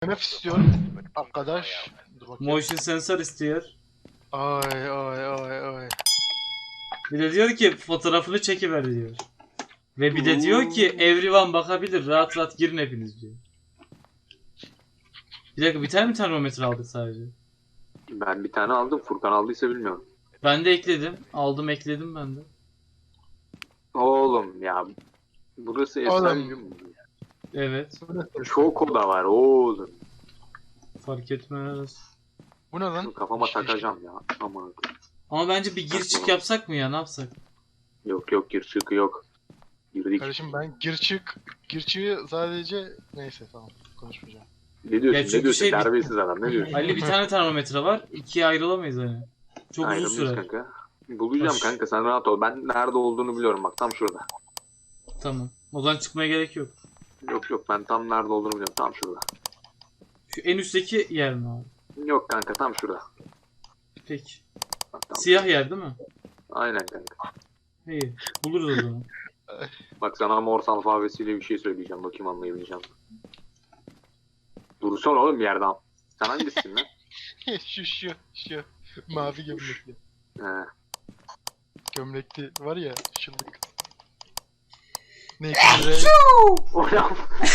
EMF istiyor arkadaş. Dur bakayım. Motion sensör istiyor. Ay ay ay ay. Bir de diyor ki fotoğrafını çekiver diyor. Ve bir de diyor ki everyone bakabilir, rahat rahat girin hepiniz diyor. Bir dakika, bir tane mi termometre aldık sadece? Ben bir tane aldım. Furkan aldıysa bilmiyorum. Ben de ekledim. Aldım, ekledim ben de. Oğlum ya. Burası Oğlum. Esenyurt mu? Evet. Çok oda var oğlum. Fark etmez. Bu ne lan? Kafama takacağım ya. Aman. Ama bence bir gir çık yapsak mı ya, ne yapsak? Yok yok gir çıkı yok. Girdik. Kardeşim ben gir çığı sadece neyse tamam konuşmayacağım. Ne diyorsun? Ya çünkü Ne diyorsun? şey- Terbiyesiz adam. Ne diyorsun? Ali bir tane termometre var. İkiye ayrılamayız hani. Çok uzun Ayrılmış sürer. kanka. Bulacağım Baş- kanka sen rahat ol. Ben nerede olduğunu biliyorum bak tam şurada. Tamam. O zaman çıkmaya gerek yok. Yok yok ben tam nerede olduğunu biliyorum tam şurada. Şu en üstteki yer mi abi? Yok kanka tam şurada. Peki. Bak, tam. Siyah yer değil mi? Aynen kanka. İyi. Buluruz o zaman. Bak sana Morse alfabesiyle bir şey söyleyeceğim. Bakayım anlayabileceğim. Dursana oğlum bir yerden. Sen hangisisin lan? şu mavi gömlekli. He. Gömlekli var ya şıllık. Ne Oğlum.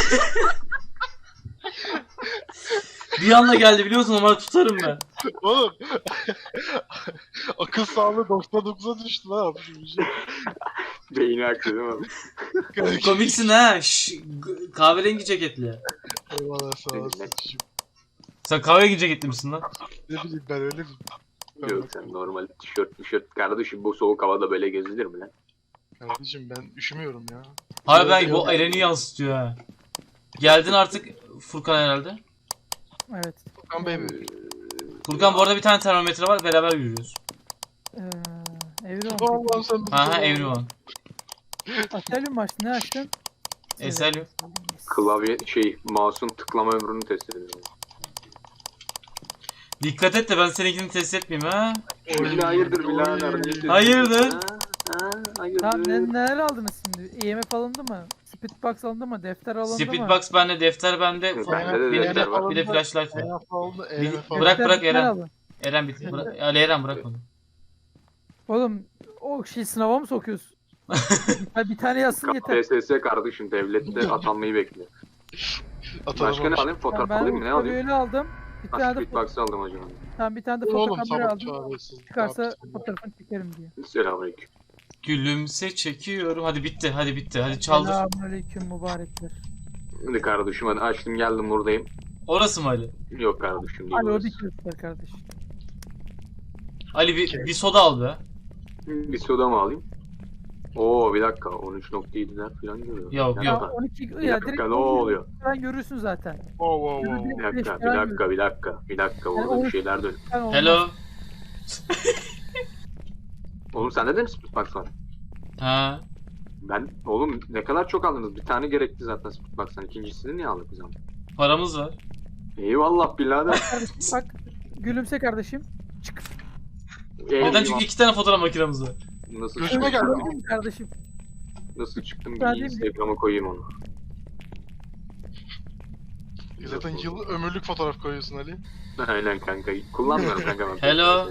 Bir anda geldi biliyor musun, ama tutarım ben. Oğlum. Akıl sağlığı 99'a düştü lan abi şu şey. Beyni aktı değil mi? Komiksin ha. Kahverengi ceketli. Eyvallah sağ olasın. Sen kahverengi ceketli misin lan? Ne bileyim ben öyle miyim? Yok sen normal tişört kardeşim bu soğuk havada böyle gezilir mi lan? Kardeşim ben üşümüyorum ya. Hayır, ben bu Eren'i yansıtıyor ha. Geldin artık Furkan herhalde. Evet. Furkan Bey Furkan bu arada bir tane termometre var, beraber yürüyoruz. Evrim. Allah'ım sen bizi Ha koru. everyone. Aselüm mü açtın? Ne açtın? Eselim. Klavye mouse'un tıklama ömrünü test edelim. Dikkat et de ben seninkini test etmeyeyim ha. Şimdi hayırdır birader? ne diyorsun? Hayırdır? Ha, hayırdır? Tamam neler aldınız şimdi? EMF alındı mı? Speedbox alındı mı? Defter alındı mı? Speedbox bende, defter bende. Bende de Bir defter var. de flashlight var. EMF aldı, Bir- EMF aldı. bırak Defter bırak bir tane Eren. alın. Eren bitti. Ali Eren bırak onu. Oğlum o şey sınava mı sokuyorsun? Ha, bir tane yazsın yeter. KPSS kardeşim devlette atanmayı bekliyor. Atalım Başka ne olmuş. alayım? Fotoğraf Ben alayım mı? Ne alayım? öyle aldım. Bir tane de Speedbox aldım hocam. tamam, bir tane de Oğlum fotokamera sabah aldım. çağırıyorsun. Çıkarsa fotoğrafını çekerim diye. Selamünaleyküm. Gülümse çekiyorum. Hadi bitti. Hadi bitti. Hadi çaldır. Selamünaleyküm mübarekler. Hadi kardeşim hadi açtım geldim buradayım. Orası mı Ali? Yok kardeşim değil Hadi o burası. dikkat kardeş. Ali bir soda al be. Bir soda mı alayım? Oo bir dakika 13.7'ler falan görüyor. Yok, Bir Ya dakika, 12 Bir ya dakika direkt ne oluyor? falan görürsün zaten. Wow wow wow. Bir dakika orada bir şeyler dön. Yani olmaz. Hello. Oğlum sende de mi Speedbox var? Ha. Ben oğlum ne kadar çok aldınız bir tane gerekti zaten Speedbox'tan ikincisini niye aldık biz ama? Paramız var. Eyvallah birader. Kardeşim bak, gülümse kardeşim. Neden? Çünkü 2 tane fotoğraf makinemiz var. Nasıl Gözüme çıktım? geldi. Gördün mü kardeşim? Nasıl çıktım Ben bir de- Instagram'a koyayım onu. Zaten yıl ömürlük fotoğraf koyuyorsun Ali. Aynen kanka. Kullanmıyorum kanka ben. Hello.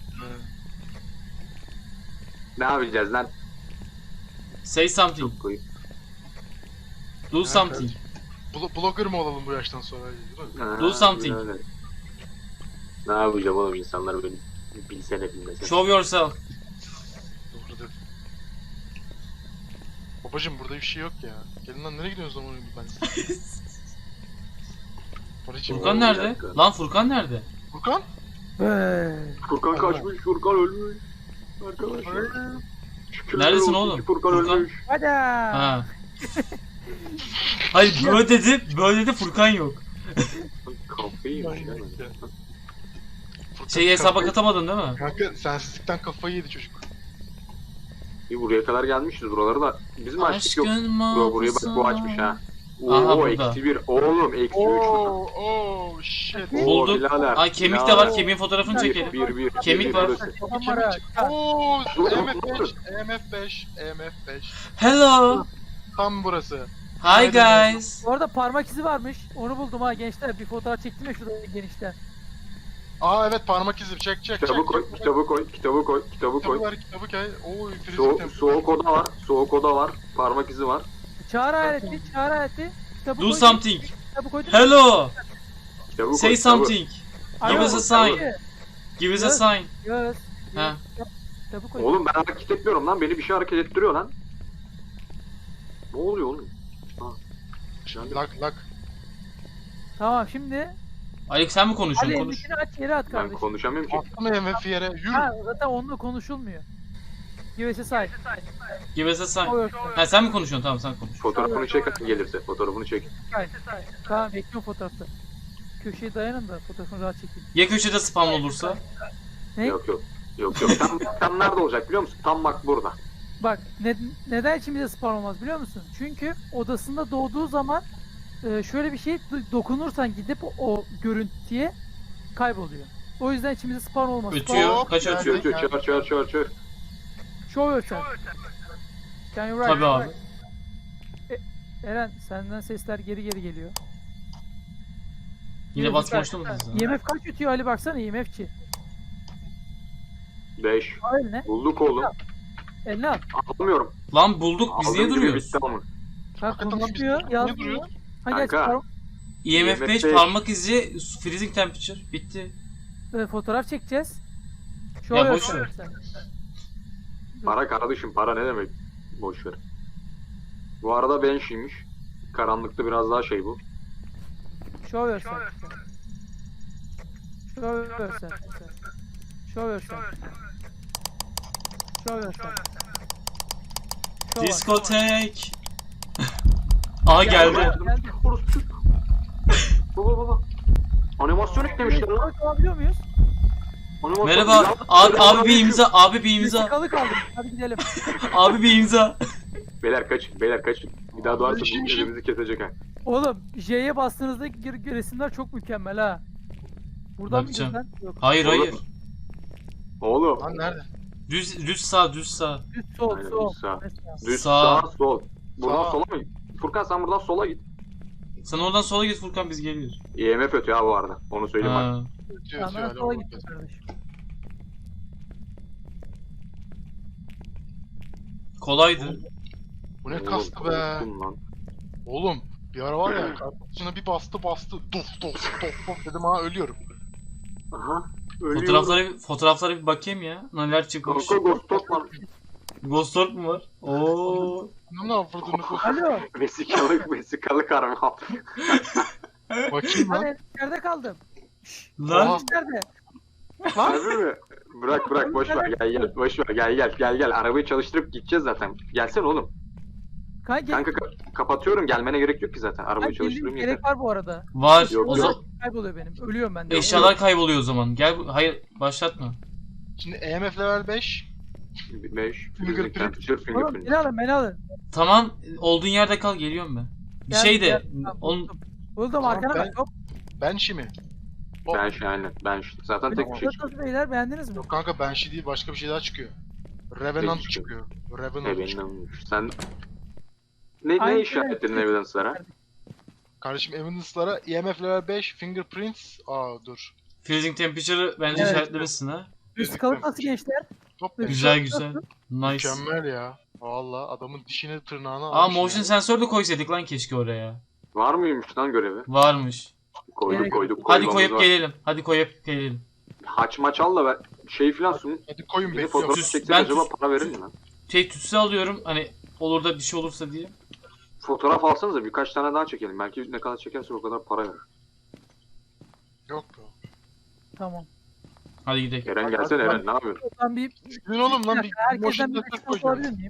Ne yapacağız lan? Say something. Çok koyayım. Do something. Blogger mı olalım bu yaştan sonra? Değil mi? Ha, Do something. öyle. Ne yapacağım oğlum insanlar beni bilsene bilmesene. Show yourself. Doğru dedin. Babacım burada bir şey yok ya. Gelin lan nereye gidiyorsunuz zaman ben? Babacım. Furkan bir nerede? dakika. Lan Furkan nerede? Furkan? Furkan kaçmış, Furkan ölmüş. Arkadaşlar. Şükürler Neredesin olsun oğlum? ki Furkan Furkan? ölmüş. Hadi. Ha. Hayır böyle dedi Furkan yok. Kafayı yemiş lan. Furkan Şeyi hesaba kafayı- katamadın değil mi? Kanka sensizlikten kafayı yedi çocuk. İyi buraya kadar gelmişiz. Buraları da biz mi açtık yok? Aşkın Bro, burayı bak bu açmış ha. Aha, Oo burada. eksi 1. Oğlum eksi 3 burada. Oh shit. Bulduk. birader, Ay kemik de birader. var. Kemiğin fotoğrafını çekelim. Bir. Kemik var. Kamera. Oo Dur, EMF 5, EMF 5, EMF 5. Hello. Tam burası. Hi guys. Bu arada parmak izi varmış. Onu buldum ha gençler. Bir fotoğraf çektim ya şurada genişten. Aa evet parmak izi çek. Kitabı koy, kitabı koy, kitabı koy, kitabı Kitabı koy. ver kitabı koy. Oo freezing temp. Soğuk oda var, soğuk oda var. Parmak izi var. Çağrı aleti, çağrı aleti. Kitabı Do koydum, something. Kitabı koydum. Hello. Kitabı koy, Say kitabı. something. Alo, Give us a sign. kitabı. Give us a sign. Yes. Ha. Kitabı koydum. Oğlum ben hareket etmiyorum lan. Beni bir şey hareket ettiriyor lan. Ne oluyor oğlum? Lak. Tamam şimdi. Alex sen mi konuşuyorsun? Ali Konuş. elindekini aç yere at Ben kardeşim. konuşamıyorum ki. Attım MF yere. Yürü. Ha zaten onunla konuşulmuyor. Give us a sign. Give us a sign. O yok. Ha sen mi konuşuyorsun? Tamam sen konuş. Fotoğrafını çek gelirse. Fotoğrafını çek. Sign. Tamam bekliyorum fotoğrafta. Köşeye dayanın da fotoğrafını rahat çekeyim. Ya köşede spam olursa? Ne? Yok. Tam nerede olacak biliyor musun? Tam bak burada. Bak neden içimize spawn olmaz biliyor musun? Çünkü odasında doğduğu zaman şöyle bir şey dokunursan gidip o görüntüye kayboluyor. O yüzden içimize spawn olmaz. Ötüyor. Hop, Kaç geldi. ötüyor? Çör. Show yourself. Can you write? Tabii abi. Eren senden sesler geri geliyor. Yine basmaçlı mı siz? IMF kaç ötüyor Ali baksana IMF'çi. 5. Al eline. Bulduk oğlum. Eline al. Almıyorum. Lan bulduk biz niye Aldığım gibi duruyoruz? bitti ama. Ha Hakikaten lan biz konuşmuyor. niye Yazmıyor. duruyoruz? Ha geç Kanka. IMF 5 IMF5. parmak izi freezing temperature bitti. fotoğraf çekeceğiz. Show Ya boş yourself. ver. Para kardeşim para ne demek? Boş ver. Bu arada Banshee'ymiş. Karanlıkta biraz daha şey bu. Show yourself. Show yourself. Show yourself. Show yourself. Show us. Diskotek. Aha geldi. Orospu. Baba. Animasyon eklemişler lan. Alabiliyor muyuz? Animasyon. Merhaba. Abi bir imza. Abi bir imza. Vesikalı kaldım. Hadi gidelim. Abi bir imza. Beyler kaçın. Bir daha doğarsa bu Banshee'ymiş. elimizi kesecek ha. Oğlum J'ye bastığınızda resimler çok mükemmel ha. Buradan mı Bakacağım. gidiyorsun lan? Yok. Hayır hayır. Oğlum. Lan nerede? Düz sağ düz sağ. Düz sol Aynen, sol. düz sağ. Mesela. Düz Sağ. sağ sol. Buradan Sağ. sola mı? Furkan sen buradan sola git. Sen oradan sola git Furkan biz geliyoruz. IMF ötüyor ha bu arada. Onu söyleyeyim bak. Ha. Ötüyor Sağdan öyle sola oldu. gittim kardeşim. Kolaydı. Bu ne Oğlum, kastı be. korktum lan. Oğlum bir ara var ya kartuşuna bir bastı. Dof dedim ha ölüyorum. Aha. Ölüyorum. Fotoğraflara bir bakayım ya. Neler çıkmış. Kanka Ghost Talk var. Ghost Orb mu var? Oo. Ne yapırdığını Alo. Vesikalık arama. bakayım lan. Hani içeride kaldım. Şşş. Lan İçeride. Harbi mi? Bırak boş ver boş ver gel arabayı çalıştırıp gideceğiz zaten. Gelsene oğlum. Kanka kapatıyorum gelmene gerek yok ki zaten arabayı çalıştırayım yeter. Gerek var bu arada. var. Yok, O yok. zaman Kayboluyor benim. Ölüyorum ben de. eşyalar kayboluyor o zaman. Gel hayır başlatma. Şimdi EMF level 5. 5 Fingerprint. temperature Oğlum fingerprint. beni alın. Tamam olduğun yerde kal geliyorum ben. Bir Gel, şey de gel. Tamam, onun Buldum Tamam, arkana ben- bak. Hop. Banshee mi? Ben zaten tek bir şey çıkıyor. Nasıl beyler beğendiniz mi? Yok kanka Banshee değil başka bir şey daha çıkıyor. Revenant Ne çıkıyor. çıkıyor? Revenant çıkıyor. Sen ne Aynen. işaretledin evidence'lara? Kardeşim Evidence'lara EMF level 5 fingerprints. Aa dur. freezing temperature'ı bence Evet. işaretlemişsin ha. Vesikalık nasıl gençler? Top Güzel. Güzel güzel. Nice. Mükemmel ya. Valla adamın dişini tırnağını Aa almış motion ya. sensör de koysaydık lan keşke oraya. Var mıymış lan görevi? Varmış. Koyduk. Hadi koymamız koyup var. gelelim. Hadi koyup gelelim. Haç maç al da ver. Şey filan sun. Hadi koyun Bir de bekliyorum. fotoğraf Tüs- çeksek ben acaba tüs- para verir mi lan? Tütsü alıyorum hani olur da bir şey olursa diye. Fotoğraf alsanıza birkaç tane daha çekelim. Belki ne kadar çekerse o kadar para verir. Yok be. Tamam. Hadi gidelim. Eren gelsene Eren ne yapıyorsun? Oradan bir Gün oğlum lan bir motion herkesten bir sensör vesikalık koyacağım. alabilir miyim?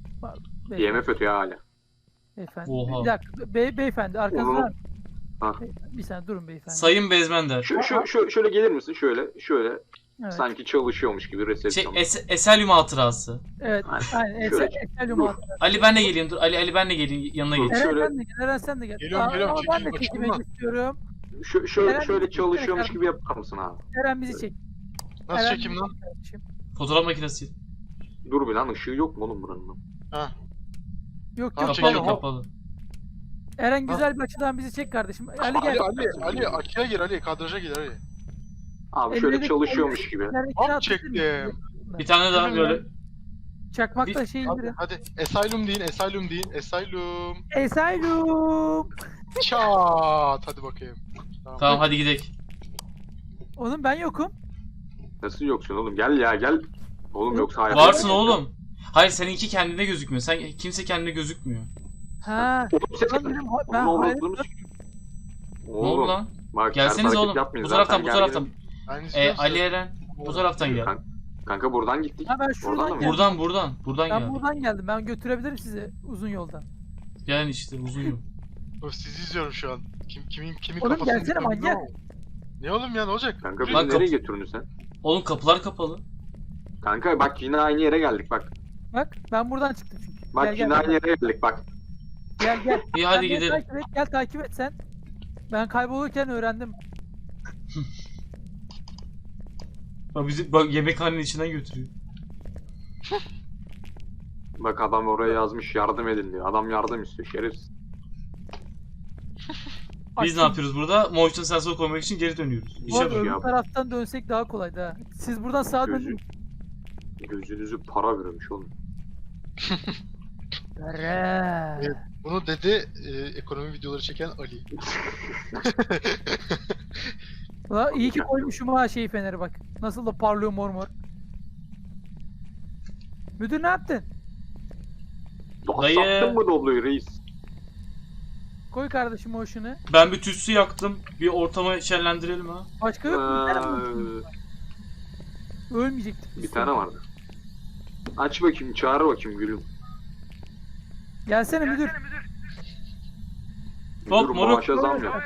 IMF ötüyor hala. Beyefendi. Oha. Bir dakika. Beyefendi arkanızda. Oğlum. Ha. Bir saniye durun beyefendi. Sayın Bezmender. Şöyle gelir misin? Şöyle Evet. sanki çalışıyormuş gibi Şey resepsiyon. Eselyum hatırası. Evet. Aynen. Şöyle- Eselyum Dur. altı. Ali ben de geleyim dur. Ali ben de geleyim yanına Dur. geç. Eren Şöyle- sen de gel. Eren sen de gel. Geliyorum, geliyorum. Ama ben de Çekeyim, çekilmek açayım istiyorum. Şöyle Eren- çalışıyormuş gibi yapar mısın abi? Eren bizi çek. Nasıl Eren çekeyim bizi lan? çek kardeşim. Fotoğraf makinesi. Dur bir lan ışığı yok mu oğlum buranın? Ha. Yok Tamam, yok. çekelim. Kapalı Kapalı. kapalı. Eren güzel bir açıdan bizi çek kardeşim. Ali gel. Ali Aki'ye gir Ali. Kadraja gir Ali. Abi şöyle Elleri- çalışıyormuş gibi. Elleri Hop kağıt çektim. bitirin. Bir tane daha böyle. Çakmakla şey indirin. Hadi Asylum deyin. Asylum deyin. Asylum. Asylum. Çat. Hadi bakayım. Tamam hadi gidelim. Oğlum ben yokum. Nasıl yoksun oğlum? Gel ya gel. Oğlum yoksa hayat. Varsın oğlum. Hayır seninki kendine gözükmüyor. Kimse kendine gözükmüyor. Ha. Oğlum sen Lan dedim, ben Oğlum, hayret- oğlum, Ne oldu lan? Bak, Gelseniz ters oğlum. hareket yapmayın Bu zaten, taraftan bu gel taraftan. gelin. Ben istiyorum Ali seni. Eren bu taraftan gel. Kanka buradan gittik. Ha, ben Oradan şuradan da mı? geldim. Buradan Ben gel. buradan geldim. Ben götürebilirim sizi uzun yoldan. Gel işte uzun yol. Dur, sizi izliyorum şu an. Kimin Oğlum, kafasını gelsene yıkıyorum manyak. bilmiyorum ama. Ne oğlum ya ne olacak? Kanka Yürü. bizi Lan nereye götürdün sen? Oğlum kapılar kapalı. Kanka bak yine aynı yere geldik bak. Bak ben buradan çıktım çünkü. Bak Gel, yine gel, aynı yere geldik bak. Gel. İyi hadi Sen beni gidelim. Takip et, gel takip et sen. Ben kaybolurken öğrendim. Bak bizi bak yemekhanenin içinden götürüyor. Bak adam oraya yazmış yardım edin diyor. Adam yardım istiyor şerefsiz. Biz ne yapıyoruz burada? Motion sensör koymak için geri dönüyoruz. Bu İşe arada bak. öbür ya. taraftan dönsek daha kolaydı ha. Siz buradan sağa Gözü- dönün. Gözünüzü para vermiş oğlum. Ere. Evet. Bunu dedi ekonomi videoları çeken Ali. Ulan iyi ki koymuşum ha şey feneri bak. Nasıl da parlıyor mor mor. Müdür ne yaptın? Dayı. Sattın mı Doblo'yu reis? Koy kardeşim o şunu. Ben bir tütsü yaktım. Bir ortamı şenlendirelim ha. Başka yok mu? Bir tane mi olsun? Ölmeyecektik biz. Bir tane vardı. Aç bakayım çağır bakayım gülüm. Gelsene müdür. Hop, Müdür moruk. maaşa zam yap.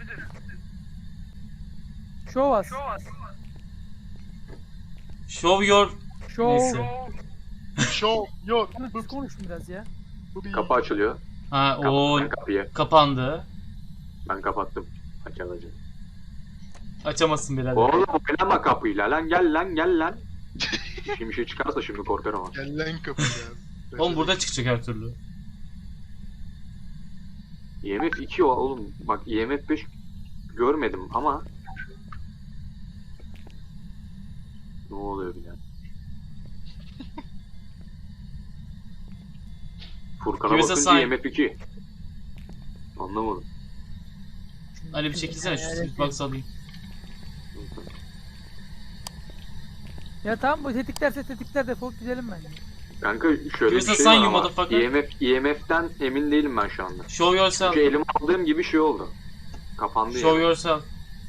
Show us. Show your... Show. Neyse. Show your Siz konuşun biraz ya. Kapı açılıyor. Ha o Kapat kapıyı. kapandı. Ben kapattım. Açılacak. Açamazsın birader. Oğlum oynama kapıyla lan gel lan. Şimdi bir şey çıkarsa şimdi korkarım ama. Gel lan kapıya. Oğlum burada çıkacak her türlü. IMF 2 oğlum. Bak IMF 5 görmedim ama. Ne oluyor bir Furkan'a Give us a bakınca sign. IMF 2. Anlamadım. Ali bir çekilsene şu Sweetbox alayım. Ya tamam bu tetiklerse tetikler defolup gidelim bence. Kanka şöyle Give us bir a şey sign, var you ama motherfucker. IMF'den emin değilim ben şu anda. Show yourself. Çünkü elime aldığım gibi şey oldu. Kapandı Show yani. yourself.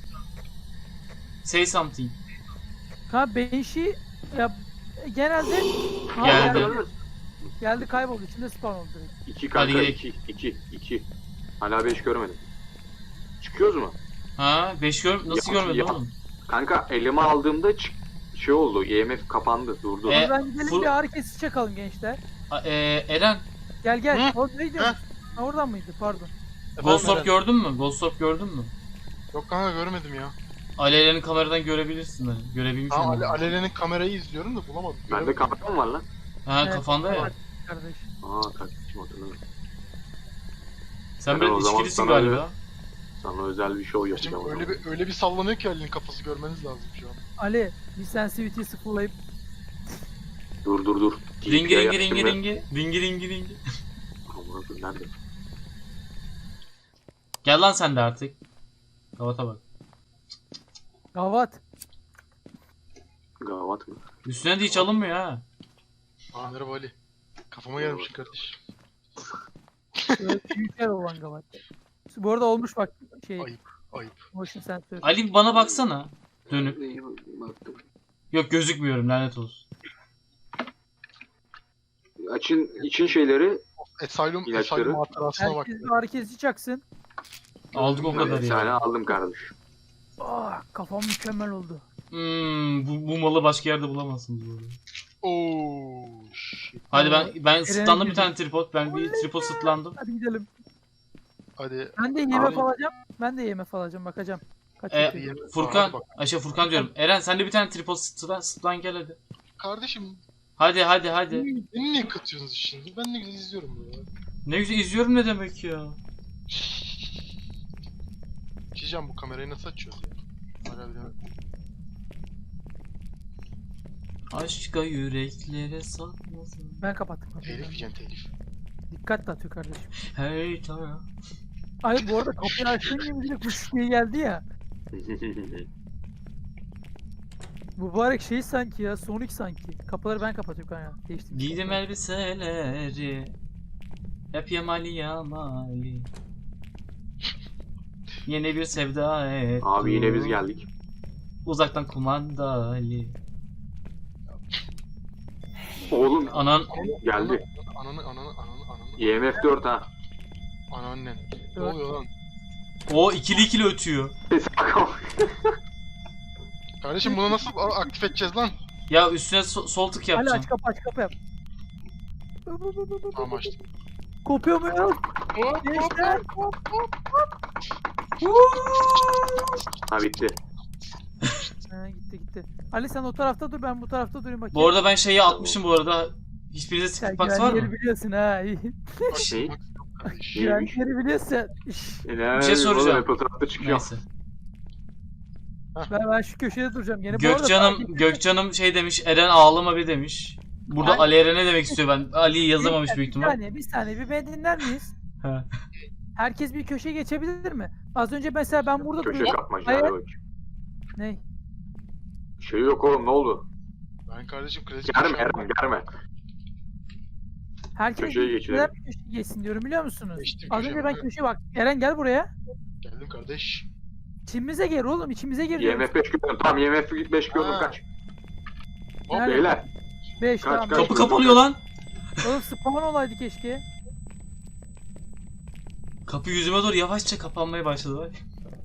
Say something. Ha Banshee ya genelde ha, Geldi. geldi kayboldu içinde spawn oldu direkt. 2 Hadi kanka gidelim. 2. Hala 5 görmedim. Çıkıyoruz mu? Ha 5 nasıl Ya- görmedin ya- oğlum? Kanka elime aldığımda şey oldu. IMF kapandı, durdu. E, Ben gidelim full- bir ağrı kesici çakalım gençler. Eren, Gel. Hı? Oğlum ne diyorsun? Ha oradan mıydı pardon. Ghost Orb Efendim, gördün mü? Ghost Orb gördün mü? Yok kanka görmedim ya. Ali Eren'i kameradan görebilirsin hani. Görebilmiş Tamam olmalı. Alele'nin kamerayı izliyorum da bulamadım. Bende Göremedim. kamera mı var lan? Ha Evet, kafanda ya. Kardeş. Aa takipçim hatırladım. Sen Ben biraz o zaman içkilisin sana galiba. Sana özel bir show Şimdi yapacağım. öyle bir sallanıyor ki Ali'nin kafası görmeniz lazım şu an. Ali bir sensitivity'yi sıfırlayıp Dur. Ringi TP'ye ringi ringi yaptım ringi. Ringi ringi ringi. ve- Amına koyayım, nerede? Gel lan sen de artık. Kavata bak. gavat. Gavat mı? Üstüne de hiç alınmıyor ha. Aa merhaba Ali. Kafama gelmişsin kardeş. Böyle büyükler olan gavat. Bu arada olmuş bak şey Ayıp. motion sensör. Ali bir bana baksana. Dönüp. Baktım. Yok gözükmüyorum lanet olsun. Açın için şeyleri Asylum İlaçları. hatırasına bak. Herkes bir ağrı kesici çaksın. Aldık o kadar bir tane ya. aldım kardeş. Ah kafam mükemmel oldu. Bu malı başka yerde bulamazsınız bu arada. Ooo shit. Hadi ben sıtlandım bir girdi. tane tripod. Ben bir tripod sıtlandım. Hadi gidelim. Hadi. Ben de IMF Abi. alacağım. Ben de IMF alacağım bakacağım. Kaç E, yapıyor? Furkan, Hadi bak. Furkan diyorum. Eren sen de bir tane tripod sıtlan gel hadi. Kardeşim Hadi. beni niye katıyorsunuz şimdi? Ben ne güzel izliyorum böyle. Ne güzel izliyorum ne demek ya. Çizeceğim, bu kamerayı nasıl açıyoruz ya? Hala bilemedim. Aşka yüreklere satmasın. Ben kapattım. Telif yiyeceksin, telif. Dikkat dağıtıyor kardeşim. Hey taraf. Ay bu arada kapıyı açtığın gibi direkt kuş diye geldi ya. Mübarek şey sanki ya, Sonic sanki. Kapıları ben kapatıyorum kanka. Değiştim. Giydim elbiseleri. Hep yamali yamali. Yeni bir sevda et. Abi yine biz geldik. Uzaktan kumandalı. Oğlum Anan geldi. Ananı. IMF 4 ha. Anneannen. Ne Evet. oluyor lan? o ikili ötüyor. Sesi bakalım. Kardeşim bunu nasıl aktif edeceğiz lan? Ya üstüne sol tık Hadi yapacağım. aç kapı yap. Tamam açtım. Kopuyor muyuz? Gençler. Ha bitti. Ha, gitti. Ali sen o tarafta dur, ben bu tarafta durayım bakayım. Bu arada ben şeyi atmışım bu arada. Hiçbirinize Sen Stickbox var güvenli yeri mı? biliyorsun ha. iyi. Şey. Kardeş. Güvenli Neymiş? yeri biliyorsun. Bir şey soracağım. Apple tarafta çıkıyor. Neyse. Ben şu köşede duracağım gene. Bu arada Gökcan'ım şey demiş. Eren ağlama bir demiş. Burada Ay- Ali Eren'e demek istiyor ben. Ali'yi yazamamış büyük ihtimal. Bir saniye bir beni dinler miyiz? He. Herkes bir köşeye geçebilir mi? Az önce mesela ben burada Köşe duruyordum. kapmaca. Hayır. Hadi bak. Ne? Şey yok oğlum ne oldu? Ben kardeşim klasik Germe Eren germe. Herkes Köşeye bir geçirelim. neden bir köşeye geçsin diyorum biliyor musunuz? Geçtim Az önce köşeye, ben evet. köşeye bak. Eren gel buraya. Geldim kardeş. İçimize gir oğlum, içimize gir diyorum. IMF 5 gördüm. Tamam IMF 5 gördüm Ha. kaç. Hop Nerede? Beyler. 5 Kaç, tamam. kaç? Kapı kapanıyor lan. Oğlum spawn olaydı keşke. Kapı yüzüme doğru yavaşça kapanmaya başladı bak.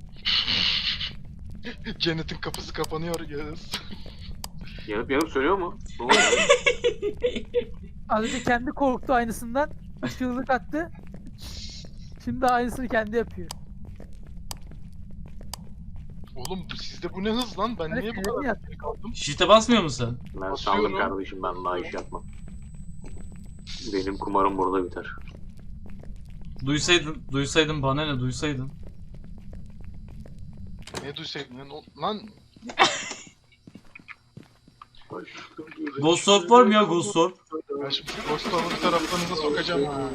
Cennetin kapısı kapanıyor Yağız. Yanıp sönüyor mu? Ne oluyor? Az önce kendi korktu aynısından. Çığlık attı. Şimdi aynısını kendi yapıyor. Oğlum sizde bu ne hız lan? Ben Hadi niye bu freni kadar yat. geri kaldım? Shift'e basmıyor musun sen? Ben Basıyorum. saldım kardeşim ben daha iş yapmam. Benim kumarım burada biter. Duysaydın bana ne duysaydın. Ne duysaydın lan? Ghost Orb var mı ya Ghost Orb? Ben şimdi Ghost Orber'ı taraflarınıza sokacağım ha.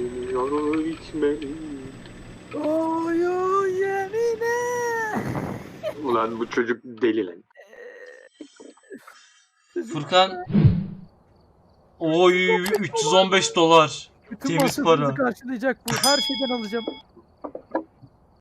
Oyu yemine. Ulan bu çocuk deli lan. Furkan. Oy $315. Bütün Temiz masrafımızı para. karşılayacak bu. Her şeyden alacağım.